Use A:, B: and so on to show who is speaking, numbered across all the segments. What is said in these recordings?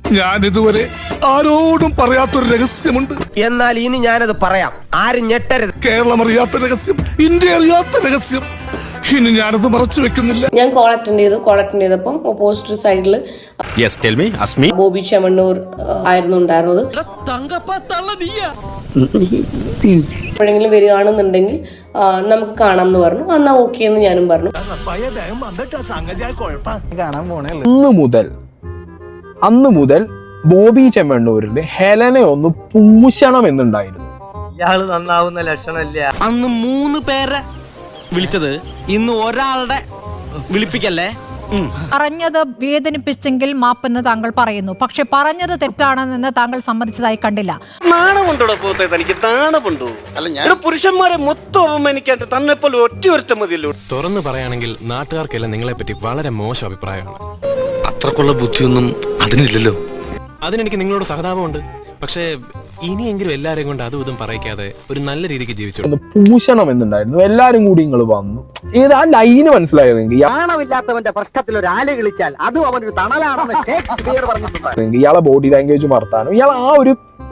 A: ഞാൻ ഇതുവരെ ആരോടും പറയാത്തൊരു രഹസ്യമുണ്ട്.
B: എന്നാൽ ഇനി ഞാനത് പറയാം, ആരും ഞെട്ടരുത്.
A: കേരളം അറിയാത്ത രഹസ്യം, ഇന്ത്യ അറിയാത്ത രഹസ്യം. ഇനി ഞാനത് മറച്ചു വെക്കുന്നില്ല.
C: ഞാൻ കോൾ അറ്റൻഡ് ചെയ്തപ്പം ഓപ്പോസിറ്റ് സൈഡില് ബോബി ചെമ്മണ്ണൂർ ആയിരുന്നു ഉണ്ടായിരുന്നത്. എപ്പോഴെങ്കിലും വരികയാണെന്നുണ്ടെങ്കിൽ നമുക്ക് കാണാം എന്ന് പറഞ്ഞു. എന്നാ ഓക്കെ എന്ന് ഞാനും പറഞ്ഞു.
D: അന്ന് മുതൽ ബോബി ചെമ്മണ്ണൂരിന്റെ ഹെലനെ ഒന്ന് പൂശണം എന്നുണ്ടായിരുന്നു.
B: ഇയാള് നന്നാവുന്ന ലക്ഷണമില്ല.
E: അന്ന് 3 പേരെ വിളിച്ചത്, ഇന്ന് ഒരാളുടെ വിളിപ്പിക്കല്ലേ.
F: പറഞ്ഞത് വേദനിപ്പിച്ചെങ്കിൽ മാപ്പെന്ന് താങ്കൾ പറയുന്നു. പക്ഷെ പറഞ്ഞത് തെറ്റാണെന്ന് താങ്കൾ സമ്മതിച്ചതായി കണ്ടില്ല.
E: നാണമുണ്ടോ പോത്തെ തനിക്ക്? നാണമുണ്ടോ? പുരുഷന്മാരെ മൊത്തം അവമാനിക്കാൻ തന്നെപ്പോലെ ഒറ്റ മതിയല്ലോ.
G: തുറന്നു പറയുകയാണെങ്കിൽ നാട്ടുകാർക്കെല്ലാം നിങ്ങളെ പറ്റി വളരെ മോശം അഭിപ്രായമാണ്.
H: അത്രക്കുള്ള ബുദ്ധിയൊന്നും അതിനില്ലല്ലോ.
G: അതിനെനിക്ക് നിങ്ങളോട് സഹതാപമുണ്ട്. പക്ഷേ ഇനിയെങ്കിലും എല്ലാരെയും കൊണ്ട് അതും ഇതും പറയിക്കാതെ ഒരു നല്ല രീതിക്ക് ജീവിച്ചു.
D: പൂശണം എന്നുണ്ടായിരുന്നു. എല്ലാരും കൂടി നിങ്ങൾ വന്നു. ഏത് ആ ലൈന് മനസ്സിലായതെങ്കിൽ
B: നാണമില്ലാത്തവന്റെ പ്രശ്നത്തിൽ ഒരു ആല് കളിച്ചാൽ അതും അവനൊരു തണലാണെന്ന്
D: ഇയാളെ ബോഡി ലാംഗ്വേജ് വർത്താനം, ഇയാൾ ആ ഒരു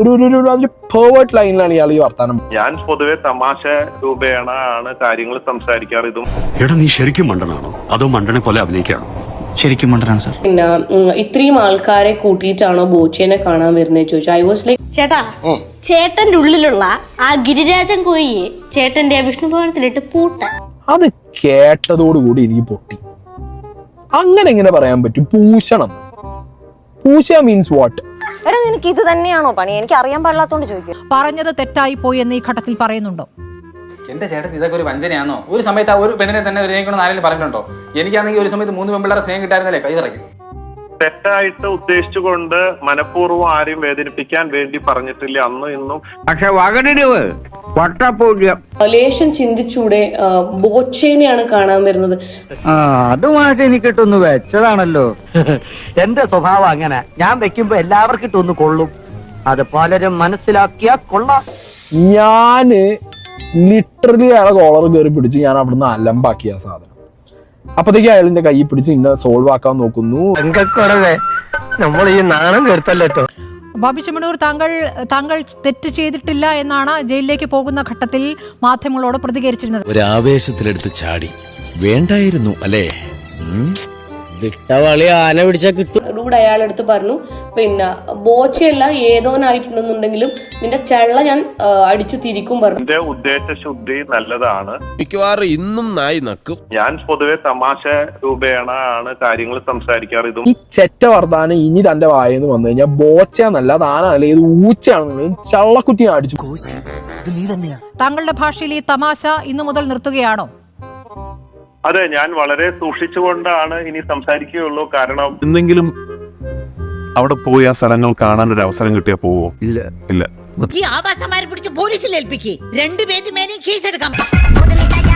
D: പേർവേർട്ട് ലൈനിലാണ് ഇയാൾ ഈ വർത്താനം.
I: ഞാൻ പൊതുവെ തമാശ രൂപേണ ആണ് കാര്യങ്ങൾ സംസാരിക്കാറ്. ഇതും
H: എടാ, നീ ശരിക്കും മണ്ടനാണോ അതോ മണ്ടനെ പോലെ അഭിനയിക്കാണോ? ശരിക്കും മണ്ടനാണ് സാർ.
C: പിന്നെ ഇത്രയും ആൾക്കാരെ കൂട്ടിയിട്ടാണോ ബോച്ചേനെ കാണാൻ വരുന്നത് ചോദിച്ചു. ഐ വാസ് ലൈക്ക്,
J: ചേട്ടാ, ചേട്ടന്റെ ഉള്ളിലുള്ള ആ ഗിരിരാജൻ കോയിയെ ചേട്ടന്റെ വിഷ്ണു ഭവനത്തിലിട്ട് പൂട്ട.
D: അത് കേട്ടതോടുകൂടി എനിക്ക് പൊട്ടി. അങ്ങനെ എങ്ങനെ പറയാൻ പറ്റും? പൂശണം. പൂശ മീൻസ് വാട്ട്?
K: എടാ, നിനക്ക് ഇത് തന്നെയാണോ പണി? എനിക്ക് അറിയാൻ പാടില്ലാത്തോണ്ട് ചോദിക്കും.
F: പറഞ്ഞത് തെറ്റായി പോയി എന്ന് ഈ ഘട്ടത്തിൽ പറയുന്നുണ്ടോ?
L: എന്റെ ചേട്ടൻ ഇതൊക്കെ ഒരു വഞ്ചനയാണോ? ഒരു സമയത്ത് ആ ഒരു പെണ്ണിനെ തന്നെ ആരെങ്കിലും പറഞ്ഞിട്ടുണ്ടോ? എനിക്കാണെങ്കിൽ ഒരു സമയത്ത് 3 പെൺപിള്ളേരെ സ്നേഹം കിട്ടായിരുന്നല്ലേ കൈ പറയും.
I: തെറ്റായിട്ട് ഉദ്ദേശിച്ചുകൊണ്ട് മനഃപൂർവ്വം ആരെയും വേദനിപ്പിക്കാൻ വേണ്ടി പറഞ്ഞിട്ടില്ല അന്നും ഇന്നും.
B: പക്ഷെ വകടിരിവ് വട്ടപ്പൂജ്യം.
C: ലേശം ചിന്തിച്ചൂടെ? ബോച്ചേനെയാണ് കാണാൻ വരുന്നത്.
B: അതുമായിട്ട് എനിക്കിട്ടൊന്ന് വെച്ചതാണല്ലോ. എന്റെ സ്വഭാവം അങ്ങനെ. ഞാൻ വെക്കുമ്പോ എല്ലാവർക്കും ഇട്ടൊന്ന് കൊള്ളും. അത് പലരും മനസ്സിലാക്കിയാ കൊള്ളാം.
D: ഞാന് ലിറ്ററലി അയാളെ കോളർ കയറി പിടിച്ച് ഞാൻ അവിടുന്ന് അലമ്പാക്കിയ സാധനം. അപ്പത്തേക്ക് അയാളിന്റെ കൈ പിടിച്ച് ഇന്നെ സോൾവ് ആക്കാൻ നോക്കുന്നു.
B: നമ്മൾ ഈ നാണം കേട്ടല്ലോ.
F: ബോബി ചെമ്മണ്ണൂർ, താങ്കൾ തെറ്റ് ചെയ്തിട്ടില്ല എന്നാണ് ജയിലിലേക്ക് പോകുന്ന ഘട്ടത്തിൽ മാധ്യമങ്ങളോട് പ്രതികരിച്ചിരുന്നത്.
H: ഒരു ആവേശത്തിലെടുത്ത് ചാടി വേണ്ടായിരുന്നു അല്ലേ?
E: വിട്ടവളി ആന പിടിച്ചാ കിട്ടും.
C: റൂഡ് അയാളെടുത്ത് പറഞ്ഞു, പിന്നെ ബോച്ചയല്ല ഏതോനായിട്ടുണ്ടെന്നുണ്ടെങ്കിലും നിന്റെ ചെള്ള ഞാൻ അടിച്ചു തിരിക്കും പറഞ്ഞു.
I: എന്റെ ഉദ്ദേശശുദ്ധി നല്ലതാണ്.
H: മിക്കവാറും ഇന്നും നായി നക്കും.
I: ഞാൻ പൊതുവെ തമാശ രൂപേണ ആണ് കാര്യങ്ങൾ സംസാരിക്കാറ്. ഇതും
D: ഈ ചെറ്റ വർത്താനം ഇനി തന്റെ വായെന്ന് വന്നു കഴിഞ്ഞാൽ ബോച്ചയാന്നല്ല, താനല്ല, ഇത് ഊച്ചയാണെന്നുണ്ടെങ്കിൽ ചള്ളക്കുറ്റി അടിച്ചു.
F: താങ്കളുടെ ഭാഷയിൽ ഈ തമാശ ഇന്നു മുതൽ നിർത്തുകയാണോ?
I: അതെ, ഞാൻ വളരെ സൂക്ഷിച്ചുകൊണ്ടാണ് ഇനി സംസാരിക്കുകയുള്ളൂ. കാരണം
A: എന്തെങ്കിലും അവിടെ പോയി ആ സ്ഥലങ്ങൾ കാണാൻ ഒരു അവസരം കിട്ടിയാ പോവോ? ഇല്ല.
K: ഈ ആവാസന്മാരെ പിടിച്ച് പോലീസിൽ ഏൽപ്പിക്കേ. 2 പേരുടെ മേലെയും കേസ് എടുക്കാം.